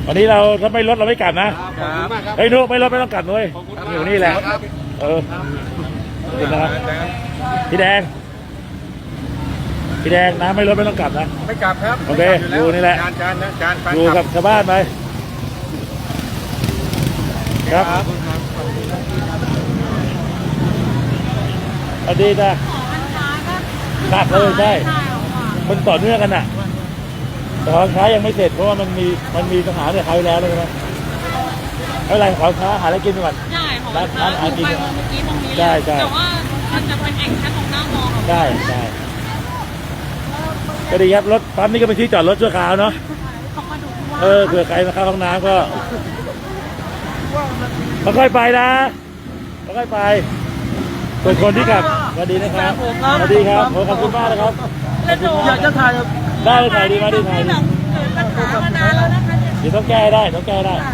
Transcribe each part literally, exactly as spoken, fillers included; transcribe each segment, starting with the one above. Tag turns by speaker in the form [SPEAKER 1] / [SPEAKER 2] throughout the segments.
[SPEAKER 1] วันนี้เราถ้าไม่ลดเราไม่กลับนะเฮ้ยนุ๊กไม่ลดไม่ต้องกลับเลยอยู่นี่แหละเออขอบคุณนะครับพี่แดงพี่แดงน้ำไม่ลดไม่ต้องกลับนะ
[SPEAKER 2] ไม่กลับครับ
[SPEAKER 1] โอเคอยู่นี่แหละ
[SPEAKER 2] จานจานนะจาน
[SPEAKER 1] อยู่กับชาวบ้านไปครับสวัสดีจ้ะหนักเลยใช่มันต่อเนื่องกันน่ะแต่ของค้ายังไม่เสร็จเพราะว่ามันมีมันมีปัญหาเนี่ยเขาแล้วเลยใช่ไหมไม่เป็นไรของค้าหาอะไรกินก่อน
[SPEAKER 3] ใช่ของร้านค้าหากินเมื่อกี้ตรงนี้
[SPEAKER 1] ใช่ใช่
[SPEAKER 3] แต่ว่ามันจะเป็นเองแค่ตรงหน้ามอค่ะ
[SPEAKER 1] ใช่ใช่ก็ดีครับรถปั๊มนี่ก็เป็นที่จอดรถชั่วคราวเนาะเออเผื่อใครมาเข้าห้องน้ำก็ค่อยๆไปนะค่อยๆไปส่วนคนที่กลับสวัสดีนะครับสวัสดีครับขอบคุณมากนะครับ
[SPEAKER 2] อยากจะถ่าย
[SPEAKER 1] ได้ถ่ายดีมาดีถ่ายดี
[SPEAKER 3] ปัญหามานานแล้วนะคะ
[SPEAKER 1] เดี๋ยวต้องแก้ได้ต้องแก้ได้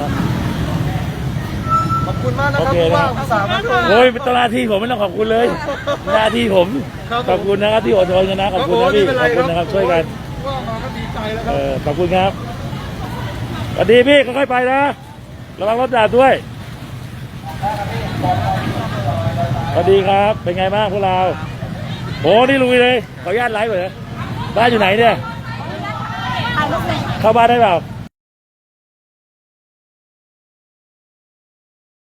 [SPEAKER 2] ขอบคุณมากนะครับว่าอุตส่าห์มาด้วย
[SPEAKER 1] โอ้ยเป็นหน้าที่ผมไม่ต้องขอบคุณเลยหน้าที่ผมขอบคุณนะครับที่อดทนกันนะขอบคุณนะพี่ขอบคุณนะครับช่วยกัน
[SPEAKER 2] ว่ามาก็ดีใจแล้วค
[SPEAKER 1] เอ
[SPEAKER 2] รับ
[SPEAKER 1] อขอบคุณครับสวัสดีพี่ค่อยๆไปนะระวังรถดาบด้วยสวัสดีครับเป็นไงบ้างพวกเราโอ้นี่ลุยเลยขออนุญาตไลฟ์เลยบ้านอยู่ไหนเนี่ยเข้าบ้านได้เปล่า